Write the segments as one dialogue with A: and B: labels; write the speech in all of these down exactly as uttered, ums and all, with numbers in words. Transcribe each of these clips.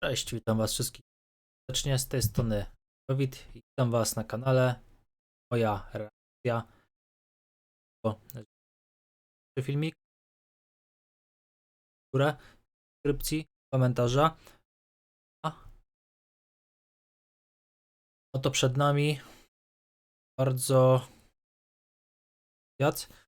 A: Cześć, witam was wszystkich serdecznie, z tej strony Dawid i witam was na kanale. Moja reakcja. O, filmik, górę, subskrypcji, komentarza. A oto przed nami bardzo wiat.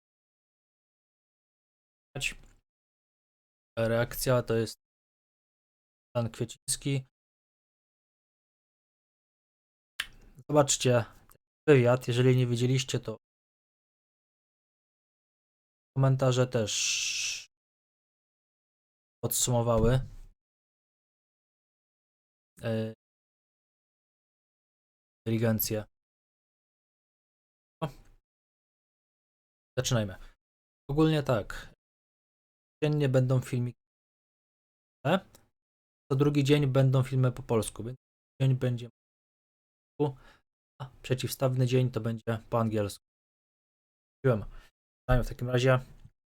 A: Reakcja to jest Pan Kwieciński. Zobaczcie wywiad, jeżeli nie widzieliście, to komentarze też podsumowały yy, inteligencję. No. Zaczynajmy. Ogólnie tak. Dziennie będą filmiki. Co drugi dzień będą filmy po polsku. Dzień będzie po polsku, a przeciwstawny dzień to będzie po angielsku. Zaczynajmy w takim razie.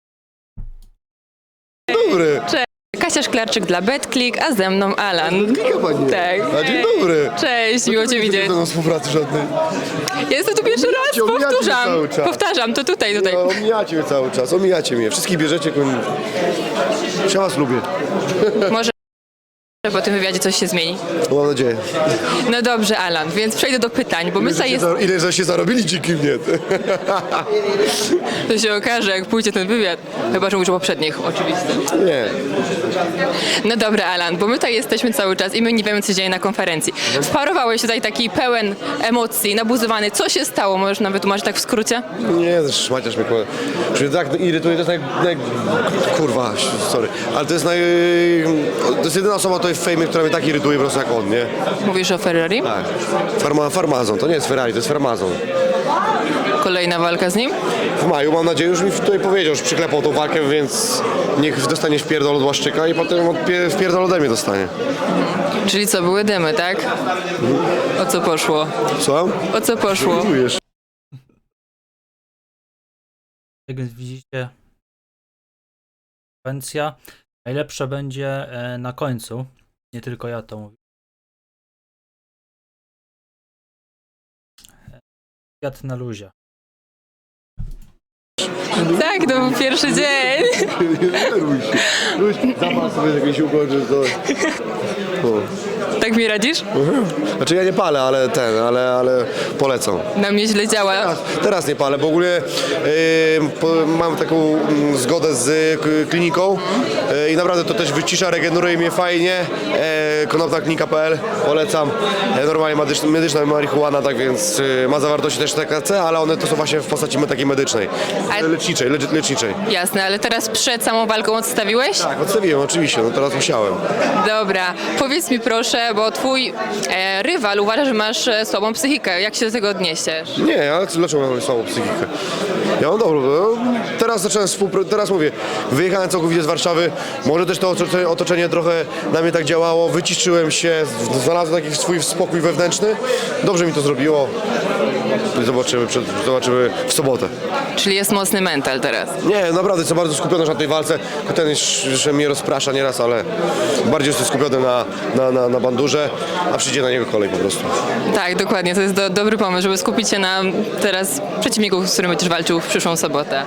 B: Dobry.
C: Cześć, Kasia Szklarczyk dla BetClick, a ze mną Alan.
B: Klika pani.
C: Tak.
B: A dzień dobry.
C: Cześć, miło Cię widzieć.
B: Nie do współpracy żadnej.
C: Ja jestem tu pierwszy raz,
B: Omijacie mnie
C: powtarzam.
B: cały czas.
C: Powtarzam, to tutaj, tutaj.
B: No, omijacie mnie cały czas, omijacie mnie. Wszystkich bierzecie. Koń... Ja was lubię.
C: Może po tym wywiadzie coś się zmieni.
B: Mam nadzieję.
C: No dobrze, Alan, więc przejdę do pytań, bo my tutaj jest...
B: Za- Ile żeście zarobili dzięki mnie?
C: To się okaże, jak pójdzie ten wywiad. Chyba, że mówisz o poprzednich, oczywiście.
B: Nie.
C: No dobra, Alan, bo my tutaj jesteśmy cały czas i my nie wiemy, co się dzieje na konferencji. Wparowałeś tutaj taki pełen emocji, nabuzowany. Co się stało? Możesz nam wytłumaczyć tak w skrócie?
B: Nie, szmaciarz mnie kurde. Że mnie tak irytuje, to jest naj, naj... Kurwa, sorry. Ale to jest naj... To jest jedyna osoba tutaj w fejmie, która mnie tak irytuje po prostu jak on, nie?
C: Mówisz o Ferrari?
B: Tak. Farma, farmazon, to nie jest Ferrari, to jest farmazon.
C: Kolejna walka z nim?
B: W maju, mam nadzieję, już mi tutaj powiedział, że przyklepał tą walkę, więc niech dostanie wpierdol od Łaszczyka i potem odpie- wpierdol ode mnie dostanie.
C: Czyli co, były dymy, tak? O co poszło?
B: Co?
C: O co poszło?
B: Czujesz?
A: Jak więc widzicie, konwencja najlepsza będzie e, na końcu. Nie tylko ja to mówię. Kwiat na luzie.
C: Tak, to był pierwszy dzień.
B: Nie denerwuj się. Luź, zapal sobie jakieś ugodzie, to... O.
C: Tak mi radzisz?
B: Znaczy ja nie palę, ale ten, ale, ale polecam.
C: Na mnie źle działa.
B: Teraz, teraz nie palę, bo ogólnie yy, po, mam taką mm, zgodę z y, kliniką yy, i naprawdę to też wycisza, regeneruje mnie fajnie. Yy, konopna klinika kropka p l, polecam. Yy, normalnie medyczna, medyczna marihuana, tak więc yy, ma zawartości też T H C, ale one to są właśnie w postaci takiej medycznej,
C: A-
B: leczniczej, lecz, leczniczej.
C: Jasne, ale teraz przed samą walką odstawiłeś?
B: Tak, odstawiłem oczywiście, no teraz musiałem.
C: Dobra, powiedz mi proszę, bo twój e, rywal uważa, że masz e, słabą psychikę. Jak się do tego odniesiesz?
B: Nie, ale dlaczego mam słabą psychikę? Ja mam dobrą. No, teraz zacząłem współpracować, teraz mówię, wyjechałem całkowicie z Warszawy, może też to otoczenie, otoczenie trochę na mnie tak działało, wyciszyłem się, znalazłem taki swój spokój wewnętrzny, dobrze mi to zrobiło. Zobaczymy, przed, zobaczymy w sobotę.
C: Czyli jest mocny mental teraz.
B: Nie, naprawdę jestem bardzo skupiony na tej walce. Ten jeszcze mnie rozprasza nieraz, ale bardziej jestem skupiony na, na, na, na bandurze, a przyjdzie na niego kolej po prostu.
C: Tak, dokładnie, to jest do, dobry pomysł, żeby skupić się na teraz przeciwniku, z którym będziesz walczył w przyszłą sobotę.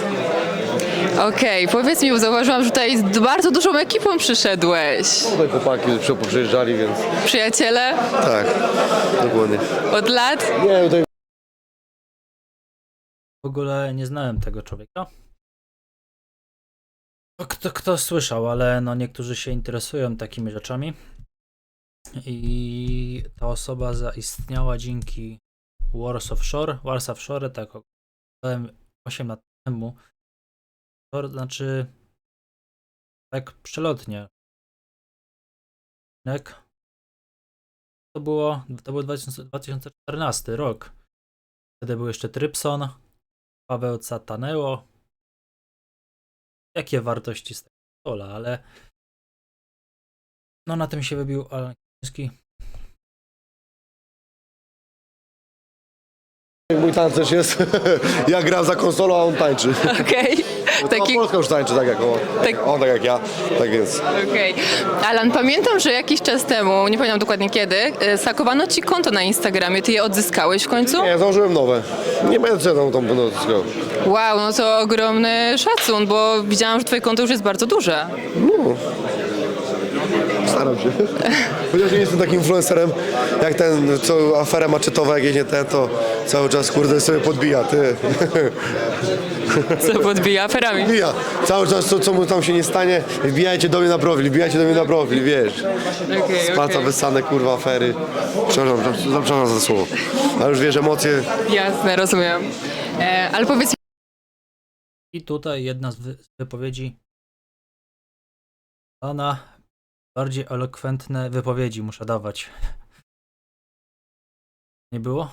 C: Okej, powiedz mi, bo zauważyłam, że tutaj z bardzo dużą ekipą przyszedłeś.
B: Tutaj chłopaki przyjeżdżali, więc
C: Przyjaciele?
B: tak, dokładnie.
C: Od lat?
B: Nie, tutaj
A: W ogóle nie znałem tego człowieka. No, Kto, kto słyszał, ale no niektórzy się interesują takimi rzeczami. I ta osoba zaistniała dzięki Wars of Shore. Wars of Shore, tak oglądałem osiem lat temu. To znaczy tak przelotnie. Jak? To było, to był dwa tysiące czternasty rok. Wtedy był jeszcze Trypson, Paweł Cataneo. Jakie wartości z tego pola, ale no na tym się wybił Alan Kwieciński.
B: Mój tancerz jest, ja gram za konsolą, a on tańczy.
C: Okej.
B: Taki...
C: Taki...
B: Polska już tańczy tak jak on,
C: Tak.
B: on tak jak ja, tak więc.
C: Okej. Alan, pamiętam, że jakiś czas temu, nie pamiętam dokładnie kiedy, e, sakowano ci konto na Instagramie. Ty je odzyskałeś w końcu?
B: Nie, założyłem nowe. Nie będę co ja tam tam będę odzyskał.
C: Wow, no to ogromny szacun, bo widziałam, że twoje konto już jest bardzo duże.
B: No. Staram się. Chociaż nie jestem takim influencerem jak ten, co aferę maczetowa, jak jedzie ten, to cały czas kurde sobie podbija, ty.
C: Co podbija aferami.
B: Wbija. Cały czas co, co mu tam się nie stanie, wbijajcie do mnie na profil, wbijajcie do mnie na profil, wiesz.
C: Okej,
B: Spaca
C: okej.
B: wysane, kurwa, afery. Przepraszam, przepraszam za słowo. Ale już wiesz, emocje.
C: Jasne, rozumiem. E, ale powiedz mi,
A: I tutaj jedna z, wy- z wypowiedzi. Ona bardziej elokwentne wypowiedzi muszę dawać. Nie było?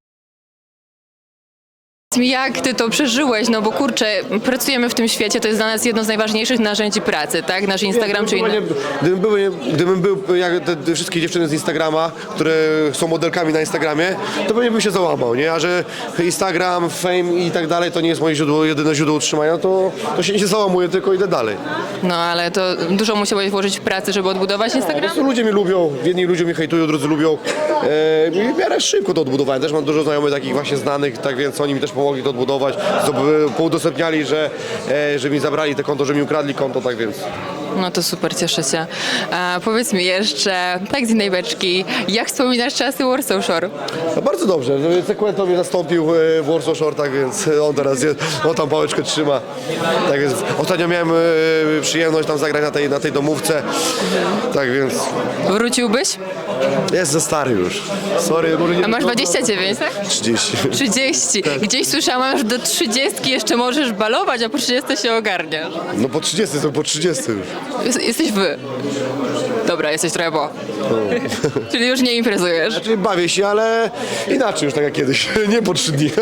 C: jak ty to przeżyłeś, no bo kurczę, pracujemy w tym świecie, to jest dla nas jedno z najważniejszych narzędzi pracy, tak? Nasz Instagram czy inne.
B: Nie, gdybym, był, nie, gdybym był jak te, te wszystkie dziewczyny z Instagrama, które są modelkami na Instagramie, to pewnie bym się załamał, nie? A że Instagram, fame i tak dalej to nie jest moje źródło, jedyne źródło utrzymania, to, to się nie załamuję, tylko idę dalej.
C: No ale to dużo musiałeś włożyć w pracę, żeby odbudować
B: Po
C: Instagram?
B: prostu ludzie mnie lubią, jedni ludzie mnie hejtują, drudzy lubią. E, I w miarę szybko to odbudowałem. Też mam dużo znajomych takich właśnie znanych, tak więc oni mi też pomogli to odbudować. Zdob- Poudostępniali, że, e, że mi zabrali te konto, że mi ukradli konto, tak więc.
C: No to super, cieszę się. A powiedz mi jeszcze, tak z innej beczki, jak wspominasz czasy Warsaw Shore?
B: No bardzo dobrze, że Sekwento mnie zastąpił e, w Warsaw Shore, tak więc on teraz jest, on tam pałeczkę trzyma. Tak więc ostatnio miałem e, przyjemność tam zagrać na tej, na tej domówce, tak więc
C: Wróciłbyś?
B: jest za stary już. Sorry, może nie
C: A masz dwadzieścia dziewięć, tak?
B: trzydzieści.
C: trzydzieści. Gdzieś słyszałam, że do trzydziestki jeszcze możesz balować, a po trzydziestce się ogarniasz.
B: No po trzydzieści, to po trzydzieści już.
C: Jest, jesteś wy. Dobra, jesteś trochę po. Czyli już nie imprezujesz.
B: Czyli bawię się, ale inaczej już tak jak kiedyś, nie po trzy dni.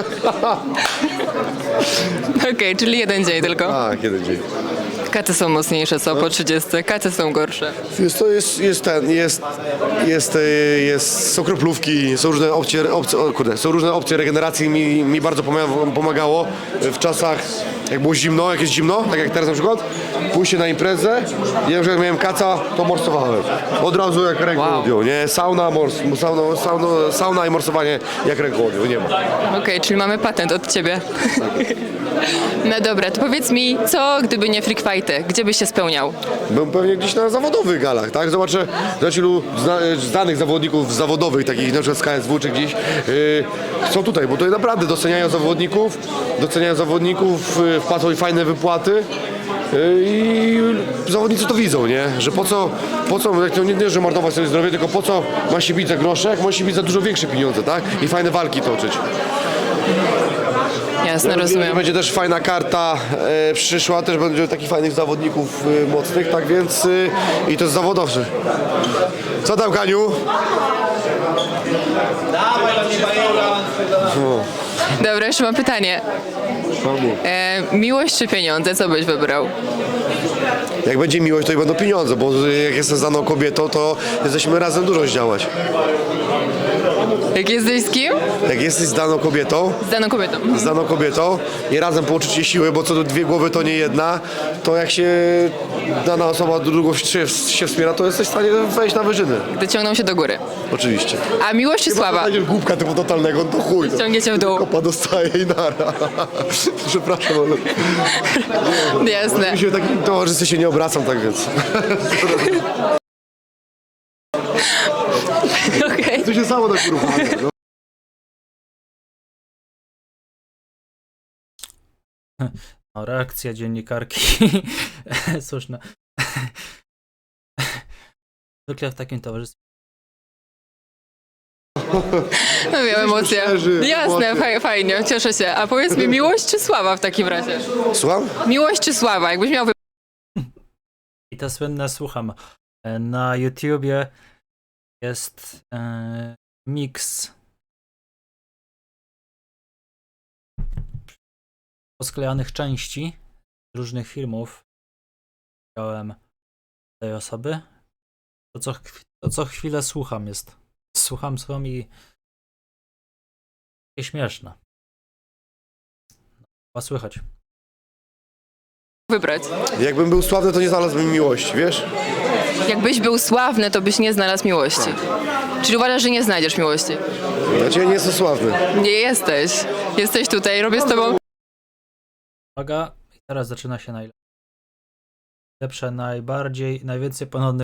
C: Okej, czyli jeden dzień tylko.
B: A, kiedy dzień.
C: Katy są mocniejsze, co? Po trzydziestce. Katy są gorsze.
B: Jest, to jest, jest ten, jest, jest, e, jest, są kroplówki, są różne opcje, opcje o, kurde, są różne opcje regeneracji, mi, mi bardzo pomaga- pomagało w czasach, jak było zimno, jak jest zimno, tak jak teraz na przykład, pójście na imprezę, ja już jak miałem kaca, to morsowałem. Od razu jak ręką
C: Wow.
B: odjął, nie? Sauna, mors, sauna, sauna, sauna i morsowanie jak ręką odjął, nie ma.
C: Okej, czyli mamy patent od ciebie. No dobra, to powiedz mi, co gdyby nie freak fighty? Gdzie byś się spełniał?
B: Byłem pewnie gdzieś na zawodowych galach, tak? Zobaczę, zobaczę ilu zna, znanych zawodników zawodowych, takich na przykład z K S W czy gdzieś, yy, są tutaj, bo tutaj naprawdę doceniają zawodników, doceniają zawodników, yy, wpłacą im fajne wypłaty. Yy, I zawodnicy to widzą, nie? Że po co, po co, jak to nie, nie że marnować sobie zdrowie, tylko po co ma się bić za grosze, jak ma się bić za dużo większe pieniądze, tak? I fajne walki toczyć.
C: Jasne, rozumiem.
B: Będzie też fajna karta e, przyszła, też będzie takich fajnych zawodników e, mocnych, tak więc e, i to jest zawodowcy. Co tam, Kaniu?
C: Dobra, jeszcze mam pytanie. E, miłość czy pieniądze? Co byś wybrał?
B: Jak będzie miłość, to i będą pieniądze, bo e, jak jestem znaną kobietą, to jesteśmy razem dużo zdziałać.
C: Jak jesteś z kim?
B: Jak jesteś znaną kobietą,
C: Z daną kobietą.
B: z daną kobietą i razem połączycie siły, bo co do dwie głowy to nie jedna, to jak się dana osoba drugą się, się wspiera, to jesteś w stanie wejść na wyżyny.
C: Gdy ciągną się do góry.
B: Oczywiście.
C: A miłość czy sława?
B: Znajdziesz głupka typu totalnego, to chuj. To.
C: Ciągnie cię w dół.
B: Kopa dostaje i nara. Przepraszam, ale
C: Jasne.
B: mi się w takim towarzystwie się nie obracam, tak więc.
C: Okej.
B: To się samo tak uruchamia. No.
A: No, reakcja dziennikarki. Słuszna. Zwykle w takim towarzystwie.
C: No wiem, emocje.
B: szczerzy,
C: Jasne,
B: emocje.
C: faj, fajnie, cieszę się. A powiedz mi, miłość czy sława w takim razie?
B: Słucham?
C: Miłość czy sława? Jakbyś miał wy...
A: I te słynne słucham. E, Na YouTubie jest e, miks posklejanych części z różnych filmów. Widziałem tej osoby. To co, chw- to co chwilę słucham jest. Słucham, słucham i takie śmieszne. Was słychać.
C: Wybrać.
B: Jakbym był sławny, to nie znalazłbym miłości, wiesz?
C: Jakbyś był sławny, to byś nie znalazł miłości. Czyli uważasz, że nie znajdziesz miłości?
B: Znaczy ja nie jestem sławny.
C: Nie jesteś. Jesteś tutaj, robię z tobą...
A: Uwaga, i teraz zaczyna się najlepsze. Lepsze, najbardziej, najwięcej ponownych